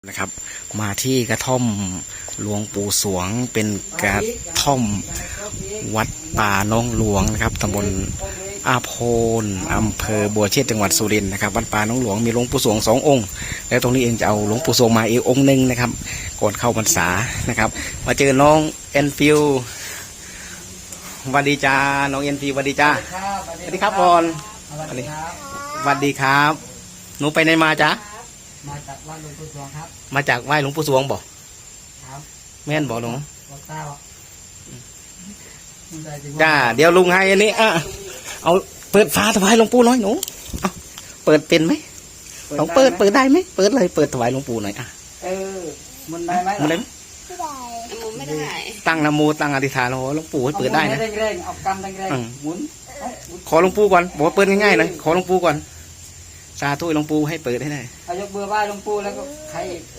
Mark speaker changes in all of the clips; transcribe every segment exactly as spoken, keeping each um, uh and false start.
Speaker 1: นะครับมาที่กระท่อมหลวงปู่สวงเป็นกระท่อมวัดป่าน้องหลวงนะครับตำบลอาโพนอำเภอบัวเชษจังหวัดสุรินทร์นะครับวัดป่าน้องหลวงมีหลวงปู่สวงสององค์แล้วตรงนี้เองจะเอาหลวงปู่สวงมาอีกองค์หนึ่งนะครับก่อนเข้าพรรษานะครับมาเจอน้องเอ็นฟิวสวัสดีจ้าน้องเอ็นฟิวสวัสดีจ้าสวัสดีครับบอลสวัสดีสวัสดีครับหนูไปไหนมาจ้า
Speaker 2: มาจากไหว้หลวงปู่สวงครับ
Speaker 1: มาจากไหว้หลวงปู่สวงบอก
Speaker 2: ครับ
Speaker 1: แม่นบอกหลวง
Speaker 2: บอกเต้า
Speaker 1: จ้าเดี๋ยวลุงให้อันนี้อ่ะเอาเปิดฝาถวายหลวงปู่หน่อยหนูเอาเปิดเป็นไหมลองเปิดเปิดได้ไหมเปิดเลยเปิดถวายหลวงปู่หน่อยอ่ะ
Speaker 2: เออมันได้ไหม
Speaker 1: มันได้
Speaker 3: ไม่ได้ไม่ได้
Speaker 1: ตั้งนะโมตั้งอธิษฐานโอ้หลวงปู่ให้เปิดได้นะ
Speaker 2: เร่งๆเอากำเร่งๆหมุน
Speaker 1: ขอหลวงปู่ก่อนบอกว่าเปิดง่ายๆหน่อยขอหลวงปู่ก่อนสาธุหลวงปู่ให้เปิดให้ได้
Speaker 2: เอายกเบอร์ไหว้หลวงปู่แล้วก็ใคร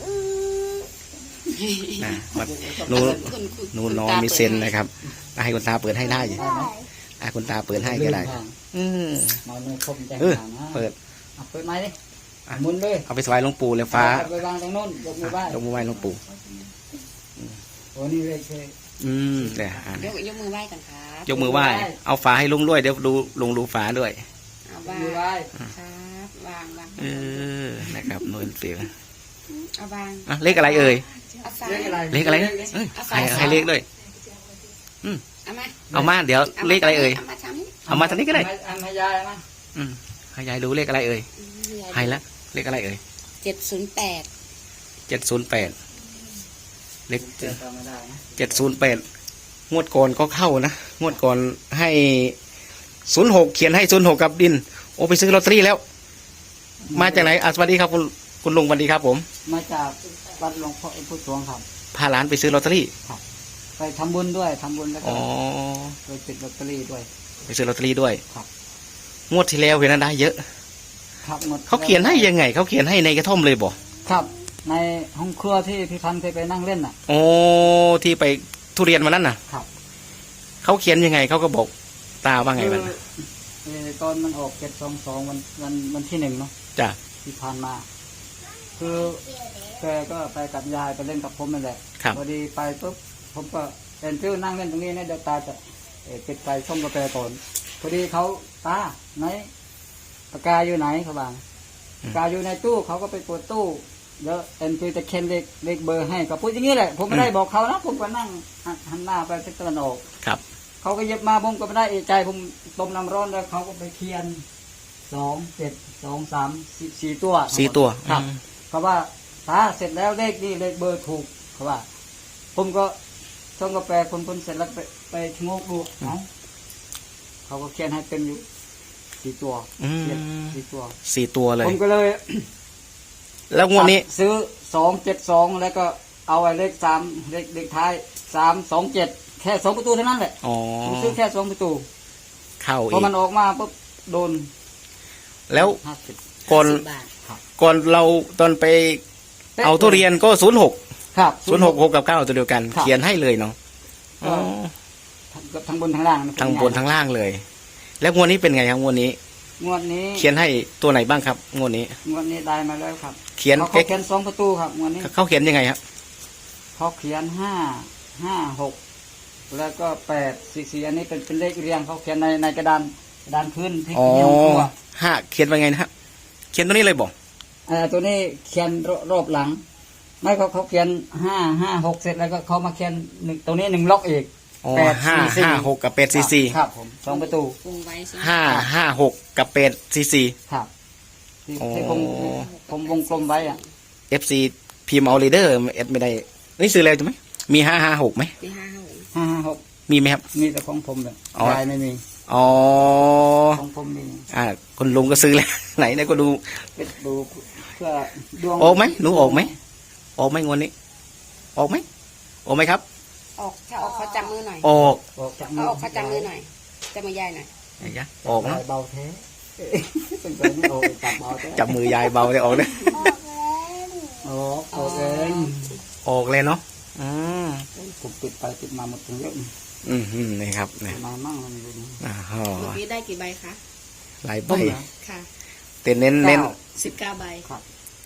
Speaker 1: นะหนูหนูน้องมีเซนนะครับให้คุณตาเปิดให้ได้อยู่ให้คุณตาเปิดให้ก็ได้อืมเออเปิด
Speaker 2: เปิดไหมดิหมุนเลย
Speaker 1: เอาไปถวายหลวงปู่เลยฟ้า
Speaker 2: ไปวางตรงโน้นยกมือไหว้
Speaker 1: ยกมือไหว้หลวงปู่
Speaker 2: โอ้นี่เลยใช่
Speaker 1: อืมเดี๋ยวย
Speaker 3: กยกมือไหว้กันครับ
Speaker 1: ยกมือไหว้เอาฝาให้ลุงด้วยเดี๋ยวดูลุงดูฝาด้วย
Speaker 3: เอามือไหว้ครับวางวาง
Speaker 1: เออนะครับนวลเสียง
Speaker 3: เอาวาง
Speaker 1: อ่ะเลขอะไรเอ่ย
Speaker 2: เลขอะไร
Speaker 1: เลขอะไรเอ้ยให้ให้เลขด้วยอืม
Speaker 3: เอามา
Speaker 1: เอามาเดี๋ยวเลขอะไรเอ่ยเอามาทางนี้ก็ได้
Speaker 2: ให้ยายนะ
Speaker 1: อืมให้ยายดูเลขอะไรเอ่ยให้ละเลขอะไรเอ่ย
Speaker 3: เจ็ดศูนย์แปด
Speaker 1: เจ็ดศูนย์แปดเลขเจ็ดศูนย์แปดงวดก่อนก็เข้านะงวดก่อนให้ศูนย์หกเขียนให้ศูนย์หกกับดินโอ้ไปซื้อลอตเตอรี่แล้วมาจากไหนอ่ะสวัสดีครับคุณคุณลุงสวัสดีครับผม
Speaker 2: มาจากวัดหลวงพ่อพุทธสวงครับ
Speaker 1: พาหลานไปซื้อลอตเตอรี่
Speaker 2: ครับไปทำบุญด้วยทำบุญแล้วก็ไปติดลอตเตอรี่ด้วย
Speaker 1: ไปซื้อลอตเตอรี่ด้วย
Speaker 2: ครับ
Speaker 1: งวดที่แล้วเห็นได้เยอะ
Speaker 2: ครับหมด
Speaker 1: เขาเขียนให้ยังไงเขาเขียนให้ในกระท่อมเลยบอก
Speaker 2: ครับในห้องครัวที่พี่พันธ์เคยไปนั่งเล่นน่ะ
Speaker 1: โอ้ที่ไปทุเรียนมานั่นน่ะ
Speaker 2: ครับ
Speaker 1: เขาเขียนยังไงเขาก็บอกตาว่าไงมัน
Speaker 2: ตอนมันออกเจ็ดสองสองวันวันวันที่หนึ่งเนาะ
Speaker 1: จ้ะ
Speaker 2: ที่ผ่านมาคือแกก็ไปกับยายไปเล่นกับผมนั่นแหละพอดีไปปุ๊บผมก็เป็นฟิวนั่งเล่นตรงนี้นะเดี๋ยวตาจะปิดไฟช่องกาแฟก่อนพอดีเขาตาไหนปากกาอยู่ไหนเขาบอกปากกาอยู่ในตู้เขาก็ไปเปิดตู้เดี๋ยวเอ็นฟิวจะเค้นเลขเลขเบอร์ให้ก็พูดอย่างนี้แหละผมไม่ได้บอกเขานะผมก็นั่งหันหน้าไปทิศตะวันออก
Speaker 1: ครับ
Speaker 2: เขาก็เย็บมาผมก็ไม่ได้เอะใจผมต้มน้ำร้อนแล้วเขาก็ไปเคียนสองเจ็ดสองสามสี่ตัว
Speaker 1: สี่ตัว
Speaker 2: ครับเขาว่าตาเสร็จแล้วเลขนี่เลขเบอร์ถูกเขาว่าผมก็ช่องกาแฟคนคนเสร็จแล้วไปไปชะโงกดูเนาะเขาก็เขียนให้เป็นอยู่สี่ตัวสี่ตัว
Speaker 1: สี่ตัวเลย
Speaker 2: ผมก็เลย
Speaker 1: แล้วงวดนี้
Speaker 2: ซื้อสองเจ็ดสองแล้วก็เอาไอ้เลขสามเลขเลขท้ายสามสองเจ็ดแค่สองประตูเท่านั้นแหละผมซื้อแค่สองประตู
Speaker 1: เข้าอีก
Speaker 2: พอมันออกมาปุ๊บโดน
Speaker 1: แล้วก่อนก่อนเราตอนไปเอาทุเรียนก็ศูนย์หก
Speaker 2: ครับ
Speaker 1: ศูนย์หกหกกับเก้าตัวเดียวกันเขียนให้เลยเนาะ
Speaker 2: ทั้งบนทั้งล่าง
Speaker 1: ทั้งบนทั้งล่างเลยแล้วงวดนี้เป็นไงครับงวดนี้
Speaker 2: งวดนี้
Speaker 1: เขียนให้ตัวไหนบ้างครับงวดนี้
Speaker 2: งวดนี้ได้มาแล้วครับ
Speaker 1: เขียน
Speaker 2: เขาเขียนสองประตูครับงวดนี้
Speaker 1: เขาเขียนยังไงครับ
Speaker 2: เขาเขียนห้าห้าหกแล้วก็แปดสี่สี่อันนี้เป็นเป็นเลขเรียงเขาเขียนในในกระดานกระดานพื้นที่เขียนตัว
Speaker 1: ห้าเขียนว่าไงนะครับเขียนตัวนี้เลยบอก
Speaker 2: อ่าตัวนี้เขียนรอบหลังไม่เขาเขาเขียนห้าห้าหกเสร็จแล้วก็เขามาเขียนหนึ่งตรงนี้หนึ่งล็อกอีก
Speaker 1: แปดห้าห้าหกกับแปดสี่สี่
Speaker 2: ครับผมสองประตู
Speaker 1: ห้าห้าหกกับแปดสี่สี่
Speaker 2: ครับที่ผมผมวงกลมไว้อ่ะ
Speaker 1: เอฟซีพิมพ์เอาลีเดอร์เอ็ดไม่ได้นี่ซื้อแล้วใช่ไหมมีห้าห้าหกไหม
Speaker 3: มีห้าห้าหก
Speaker 2: ห้าห้าหก
Speaker 1: มีไหมครับ
Speaker 2: มีแต่ของผมเลยยายไม่มี
Speaker 1: อ๋อ
Speaker 2: ของผมมี
Speaker 1: อ่าคนลุงก็ซื้อแล้วไหนเนี่ยก็ดู
Speaker 2: ดูเพื่อดวง
Speaker 1: ออกไหมหนูออกไหมออกไหมงวดนี้ออกไหมออกไหมครับ
Speaker 3: ออกถ้าออกเขาจับมือหน่อย
Speaker 1: ออก
Speaker 2: ออกจับ
Speaker 3: มือออกเขาจับมือหน่อยจับมือยายหน่อย
Speaker 1: ออกนะ
Speaker 2: เบาแท้
Speaker 1: จับมือยายเบาได้ออกเลย
Speaker 2: ออกออกเอง
Speaker 1: ออกเลยเนาะอืม
Speaker 2: ผมติดไปติดมาหมดทั้งเยอะ
Speaker 1: อืมนี่ครับเนี่ย
Speaker 2: มามั่งมันอยู่นี่
Speaker 1: อ่าฮะ
Speaker 3: เมื่อกี้ได้กี่ใบคะ
Speaker 1: หลายใบ
Speaker 3: ค่ะ
Speaker 1: แต่เน้นเน้น
Speaker 3: สิบเก้าใบ
Speaker 1: อ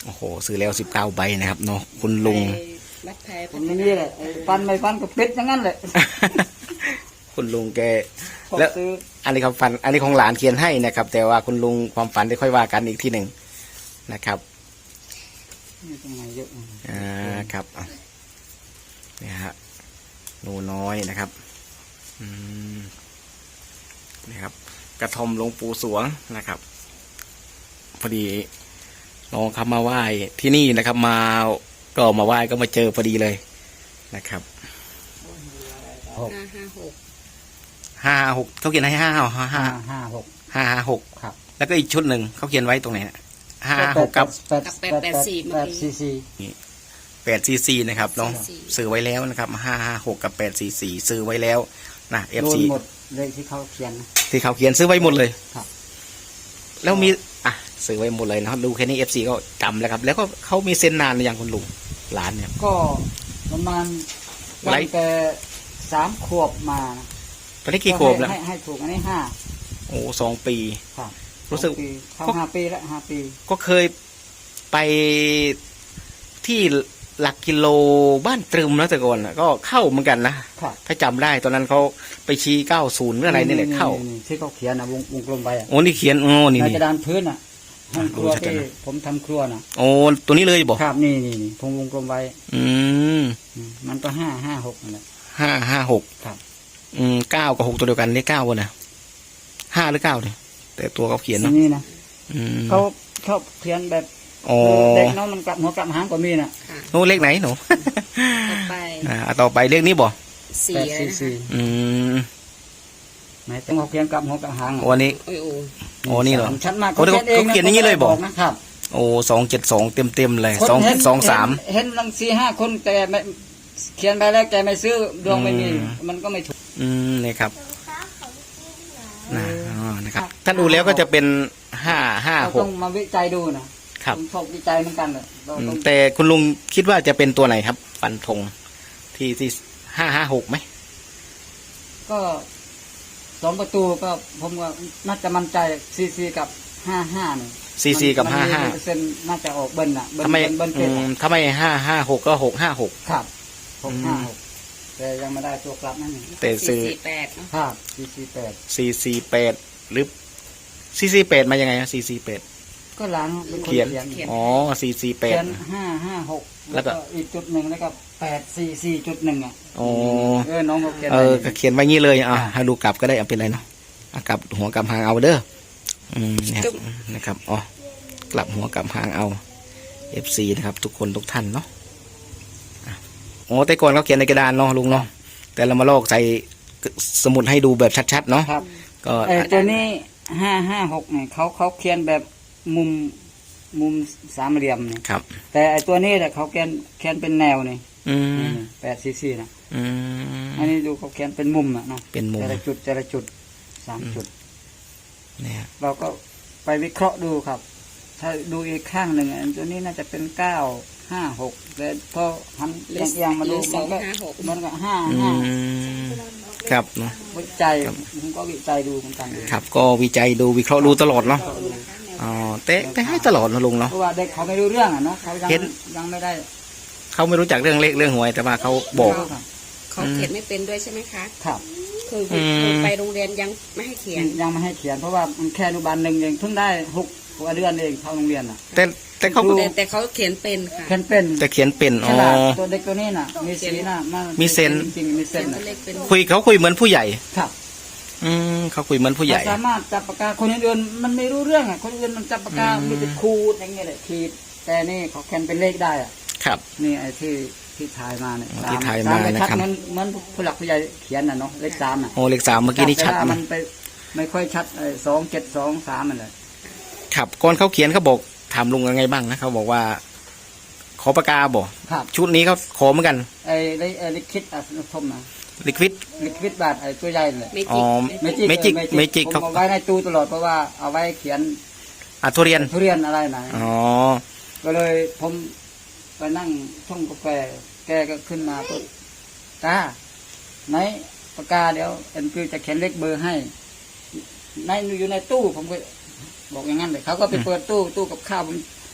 Speaker 1: โอ้โหซื้อแล้วสิบเก้าใบนะครับเนาะคุณลุง
Speaker 3: ไปวัดแพร
Speaker 2: ผมนี่แหละไอ้ฟันไม่ฟันก็ปิดอย่างนั้นแหละ
Speaker 1: คุณลุงแก
Speaker 2: ผม
Speaker 1: แล้ว
Speaker 2: ซื้อ
Speaker 1: อันนี้ความฝัน อันนี้ของหลานเขียนให้นะครับ แต่ว่าคุณลุงความฝันได้ค่อยว่ากันอีกทีหนึ่งนะครับ
Speaker 2: นี่ตรงไหนเยอะ
Speaker 1: อ่าครับอ่ะนี่ฮะหนูน้อยนะครับอืมนี่ครับ กระทอมหลวงปู่สวงนะครับ พอดีน้องครับมาไหว้ที่นี่นะครับ มาก็มาไหว้ก็มาเจอพอดีเลยนะครับ
Speaker 2: หก
Speaker 3: ห้าห้าหก
Speaker 1: ห้าหกเขาเขียนให้ห้าห้าห้า
Speaker 2: ห้า
Speaker 1: ห้า
Speaker 2: ห้าหก
Speaker 1: ห้าห้าหก
Speaker 2: ครับ
Speaker 1: แล้วก็อีกชุดหนึ่งเขาเขียนไว้ตรงไหนห้าหกกับ
Speaker 2: แปดแปดแปดแปดสี่สี่
Speaker 1: แปดซีซีนะครับน้อง
Speaker 3: สี่
Speaker 1: ซื้อไว้แล้วนะครับห้าห้าหกกับแปดซีซีซื้อไว้แล้วนะเอฟ
Speaker 2: โดน
Speaker 1: ซี
Speaker 2: หมดเลขที่เขาเขียนนะ
Speaker 1: ที่เขาเขียนซื้อไว้หมดเลย
Speaker 2: ครับ
Speaker 1: แล้วมีอ่ะซื้อไว้หมดเลยนะครับดูแค่นี้เอฟซีก็จำแล้วครับ แล้วก็เขามีเซ็นนานหรือยังคุณลุงหลานเนี่ย
Speaker 2: ก็ประมาณ
Speaker 1: ไล
Speaker 2: ตั้
Speaker 1: ฟ์
Speaker 2: งแต่สามขวบมานะ
Speaker 1: ตอนนี้กี่ขวบแล้ว
Speaker 2: ให้ให้ถูกอันนี้ห้า
Speaker 1: โอ้สองปี
Speaker 2: ครับ
Speaker 1: รู้สึก
Speaker 2: สองปีเข้าห้าปีแล้วห้าปี
Speaker 1: ก็เคยไปที่หลักกิโลบ้านตรึมนะแต่ก่อนน่ะก็เข้าเหมือนกันนะครับ ถ้าจำได้ตอนนั้นเขาไปชี้เก้าศูนย์หรืออะไรนี่แหละเข้า
Speaker 2: ที่เขาเขียนนะวงวงกลมไปอ่ะ
Speaker 1: โอ้นี่เขียนโอ้นี่
Speaker 2: ใน
Speaker 1: นี่
Speaker 2: กระดานพื้นอ่ะห้องครัว
Speaker 1: รู้จักกัน
Speaker 2: ที่
Speaker 1: นะ
Speaker 2: ผมทำครัวน่ะ
Speaker 1: โอ้ตัวนี้เลยบอก
Speaker 2: ครับนี่นี่นี่ผมวงกลมไว้
Speaker 1: อืม
Speaker 2: อืมมันก็ห้าห้าหกนั่นแหละ
Speaker 1: ห้าห้าหก
Speaker 2: ครับ
Speaker 1: อืมเก้ากับหกตัวเดียวกันนี่เก้าวะนะห้าหรือเก้าเนี่ยแต่ตัวเขาเขียน
Speaker 2: ที
Speaker 1: เนาะ
Speaker 2: นี้นะ
Speaker 1: อืม
Speaker 2: เขาชอบเขียนแบบ
Speaker 1: อ๋อ
Speaker 2: เด็กเน้องมันกลับหัวกลับหางก็มีน่ะ
Speaker 3: ค่ะ
Speaker 1: โน้เลขไหนหนู
Speaker 3: ต่อไป
Speaker 1: อ่าต่อไปเลขนี้บ่
Speaker 3: สี่
Speaker 2: แปด
Speaker 3: แล้ว
Speaker 2: สี่
Speaker 3: นะคะ
Speaker 2: สี่
Speaker 1: อืม
Speaker 2: ไหนต้องเขาเขียนกลับหัวกลับหางอะ
Speaker 1: โอ้อันนี้
Speaker 3: โอ้ยโอ้ย
Speaker 1: โอ้นี่เหรอ
Speaker 2: สามชั้นมาก
Speaker 1: โอ้เขาเขาเขียนอย่างนี้เลยบอก
Speaker 2: นะครับ
Speaker 1: โอ้สองเจ็ดสองเต็มเต็มๆเลย
Speaker 2: คน
Speaker 1: สอง
Speaker 2: เห็น
Speaker 1: สองสาม
Speaker 2: เห็นเห็นลังสี่ห้าคนแต่ไม่เขียนไปแล้วแกไม่ซื้อดวงไม่มี
Speaker 1: อืม
Speaker 2: มันก็ไม่ถูก
Speaker 1: อืมนี่ครับนะอ๋อนะครับถ้าดูแล้วก็จะเป็นห้าห้า
Speaker 2: เรา
Speaker 1: ห
Speaker 2: ต้
Speaker 1: ก
Speaker 2: องมาวิจัยดูนะครับ ผมชอบวิจัยเหมือนกันเลยเรา
Speaker 1: อืม
Speaker 2: ต้อง
Speaker 1: แต่คุณลุงคิดว่าจะเป็นตัวไหนครับ ฟันธงที่ที่ห้าห้าหกไหม
Speaker 2: ก็สองประตูก็ผมก็น่าจะมั่นใจซีซีกับห้าห้าเนี่ย
Speaker 1: ซีซีกับ
Speaker 2: มัน
Speaker 1: ห้าห้า
Speaker 2: มีเปอร์เซ็นต์น่าจะออกเบิ้ลน่ะเบิ้ล
Speaker 1: ทำไม
Speaker 2: เบิ้ล
Speaker 1: อื
Speaker 2: เบิ้ล
Speaker 1: ม
Speaker 2: เจ็ด
Speaker 1: ทำไมห้าห้าหกก็หกห้าหก
Speaker 2: ครับหก
Speaker 1: อื
Speaker 2: ห้าม หกแต่ยังไม่ได้ตัวกลับนั่นเอง
Speaker 1: แต่
Speaker 3: สี่
Speaker 1: ซื้อ
Speaker 3: สี่แปดเนาะ
Speaker 2: ครับซีซีแปด
Speaker 1: สี่สี่แปดหรือสี่สี่แปดมายังไงนะสี่สี่แปด
Speaker 2: ก็หลังเป็นคน
Speaker 1: เขียน
Speaker 2: เขียน
Speaker 1: อ๋อสี่สี่แป
Speaker 2: เขี
Speaker 1: ด
Speaker 2: ยนห้าห้าหก
Speaker 1: แล้
Speaker 2: แล้ว ว
Speaker 1: ก็
Speaker 2: ก็อีกจุดหนึ่งแล้วก็แปดสี่สี่จุดหนึ่งอ่ะ
Speaker 1: อ๋อ
Speaker 2: เออน้องเขาเขียน
Speaker 1: เออ
Speaker 2: ไว้
Speaker 1: ก็เขียนไว้งี้เลยอ่ะให้ดูกลับก็ได้เอาเป็นไรเนาะอ่ะกลับหัวกลับหางเอาเด้ออืมเนี่ยนะครับอ๋อกลับหัวกลับหางเอา เอฟ ซี นะครับ ทุกคนทุกท่านเนาะอ่ะอ๋อแต่ก่อนเขาเขียนในกระดานเนาะลุงเนาะแต่เรามาลอกใส่สมุดให้ดูแบบชัดๆเนาะ
Speaker 2: ครับ
Speaker 1: ก็
Speaker 2: ไอ้ตัวนี้ห้าห้าหกเนี่ยเขาเขาเขียนแบบมุมมุมสามเหลี่ยมเนี่ย
Speaker 1: ครับ
Speaker 2: แต่ไอ้ตัวนี้แหละเขาเขียนเขียนเป็นแนวนี่
Speaker 1: อืม
Speaker 2: แปดซีซีนะ
Speaker 1: อืม
Speaker 2: อันนี้ดูเขาเขียนเป็นมุมอ่ะเนาะ
Speaker 1: เป็นมุม
Speaker 2: แต่ละจุดแต่ละจุดสามจุด
Speaker 1: เนี่ย
Speaker 2: เราก็ไปวิเคราะห์ดูครับ ถ้าดูอีกข้างหนึ่งอันตัวนี้น่าจะเป็นเก้าห้าหกแต่พอหัน
Speaker 3: หรือ
Speaker 2: เอียงๆมา
Speaker 3: หรื
Speaker 2: ดู
Speaker 3: อส
Speaker 2: มั
Speaker 3: อน ง
Speaker 2: ก็
Speaker 3: ห้าหก
Speaker 2: มันก็ห้า
Speaker 1: อื
Speaker 2: ห้าม
Speaker 1: ครับเนาะ
Speaker 2: วิจัย
Speaker 1: ครับ
Speaker 2: ผมก็วิจัยดูเหมือนกัน
Speaker 1: ครับก็วิจัยดูวิเคราะห์ดูตลอดเนาะอ๋อแต่แต่ให้ตลอดนะลุงเนาะ
Speaker 2: เพราะว่าเด็กเขาไม่รู้เรื่องอ่ะเนาะเขายัง
Speaker 1: เห็น
Speaker 2: ยังไม่ได้
Speaker 1: เขาไม่รู้จักเรื่องเลขเรื่องหวยแต่ว่าเขาบอก
Speaker 2: ครับ
Speaker 3: เขาเขียนไม่เป็นด้วยใช่ไหมคะ
Speaker 2: ครับ
Speaker 3: คือ
Speaker 1: อืม
Speaker 3: คือไปโรงเรียนยังไม่ให้เขียน
Speaker 2: ยังไม่ให้เขียนเพราะว่ามันแค่อนุบาลหนึ่งเองเพิ่งได้หกกว่าเดือนเองเข้าโรงเรียนอ่ะ
Speaker 1: แต่แต่เขา
Speaker 2: ครู
Speaker 3: แต่แต่เขาเขียนเป็นค่ะ
Speaker 2: เขียนเป็น
Speaker 1: แต่เขียนเป็น
Speaker 2: ฉ
Speaker 1: อ๋อ
Speaker 2: ลาดตัวเด็กตัวนี้น่ะ มีสีน่ะา
Speaker 1: มีเซนส์
Speaker 2: จริงๆมีเซ
Speaker 3: เขีย
Speaker 2: น
Speaker 3: น
Speaker 2: ส์
Speaker 3: ตัว
Speaker 2: น่ะ
Speaker 3: เลขเป็น
Speaker 1: คุยเขาคุยเหมือนผู้ใหญ่
Speaker 2: ครับ
Speaker 1: อืมเขาคุยเหมือนผู้ใหญ่
Speaker 2: สามารถจับปากกาคนอื่นๆมันไม่รู้เรื่องอ่ะคนอื่นมันจับปากกา
Speaker 1: อืม
Speaker 2: มีแต่ขูดอย่างเงี้ยแหละขีดแต่นี่เขาเขียนเป็นเลขได้อ่ะ
Speaker 1: ครับ
Speaker 2: นี่ไอ้ที่ที่ถ่ายมาเนี่ย
Speaker 1: อ๋อ
Speaker 2: ส
Speaker 1: ที่ถ่าย
Speaker 2: ส
Speaker 1: มา
Speaker 2: ไม่
Speaker 1: นะ
Speaker 2: ชัด
Speaker 1: ครับ
Speaker 2: เหมือนเหมือนผู้หลักผู้ใหญ่เขียนน่ะเนาะเลขสามอ่ะ
Speaker 1: โอ้เลขสามเมื่อกี้นี่ชัด
Speaker 2: แต่ว่ามั
Speaker 1: นะ
Speaker 2: นไปไม่ค่อยชัดไอ้สองเจ็ดสองสามมันเลย
Speaker 1: ครับก่อนเขาเขียนเขาบอกถามลุงยังไงบ้างนะเขาบอกว่า ขอปากกาบอก
Speaker 2: ครับ
Speaker 1: ชุดนี้เขาขอเหมือนกัน
Speaker 2: ไอ้ไอ้ไอ้ลิคิดอ่ะทมนะ
Speaker 1: ลิควิด
Speaker 2: ลิควิดบาทไอ้ตัวใหญ่เลย
Speaker 3: ไม่
Speaker 1: อ๋
Speaker 3: จิ
Speaker 1: อ
Speaker 3: ก
Speaker 2: เม
Speaker 3: ไม่
Speaker 2: จิ
Speaker 3: จิ
Speaker 2: ก
Speaker 3: ก
Speaker 1: เมจิก
Speaker 2: ผม
Speaker 1: เขา
Speaker 2: เอาไว้ในตู้ตลอดเพราะว่าเอาไว้เขียน
Speaker 1: อ่ะทุเรียน
Speaker 2: ทุเรียนอะไรไหน
Speaker 1: อ๋อ
Speaker 2: ก็เลยผมไปนั่งช่องกาแฟแกก็ขึ้นมาก็ตาไหนปากกาเดี๋ยวเอ็นคือจะเขียนเลขเบอร์ให้ในอยู่ในตู้ผมก็บอกอย่างนั้นเลยเขาก็ไปเปิดตู้ตู้กับข้าวผม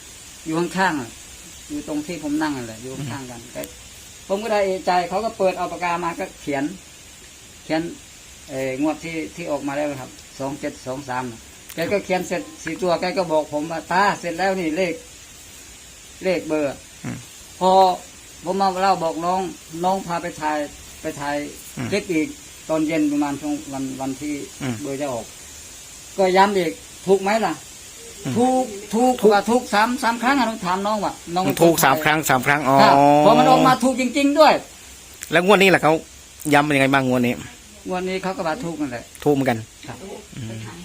Speaker 2: อยู่ข้างๆอะอยู่ตรงที่ผมนั่งนั่นแหละอยู่ข้างๆกันแต่ผมก็ได้เอะใจเขาก็เปิดเอาปากกามาก็เขียน เขียนเอองวดที่ที่ออกมาแล้วครับสองเจ็ดสองสามแกก็เขียนเสร็จสี่ตัวแกก็บอกผมว่าตาเสร็จแล้วนี่เลข เลขเบอร์
Speaker 1: อืม
Speaker 2: พอผมมาเล่าบอกน้อง น้องพาไปถ่ายไปถ่าย
Speaker 1: อืม
Speaker 2: คลิปอีกตอนเย็นประมาณช่วงวันวันที่
Speaker 1: อืม
Speaker 2: เบอร์จะออก ก็ย้ำอีกถูกไหมล่ะ
Speaker 1: อืม
Speaker 2: ถูกถูกว่าถูกสามสามครั้งอะน้องถามน้องว่าน้อง
Speaker 1: ถูกสามครั้งสามครั้งอ๋อ
Speaker 2: ครับพอมันออกมาถูกจริง ๆ ด้วย
Speaker 1: แล้วงวดนี้แหละเขาย้ำเป็นยังไงบ้างงวดนี้
Speaker 2: งวันนี้เขาก็มาถูกนั่นแหละ
Speaker 1: ถูกเหมือนกัน
Speaker 2: ครับ
Speaker 1: อืม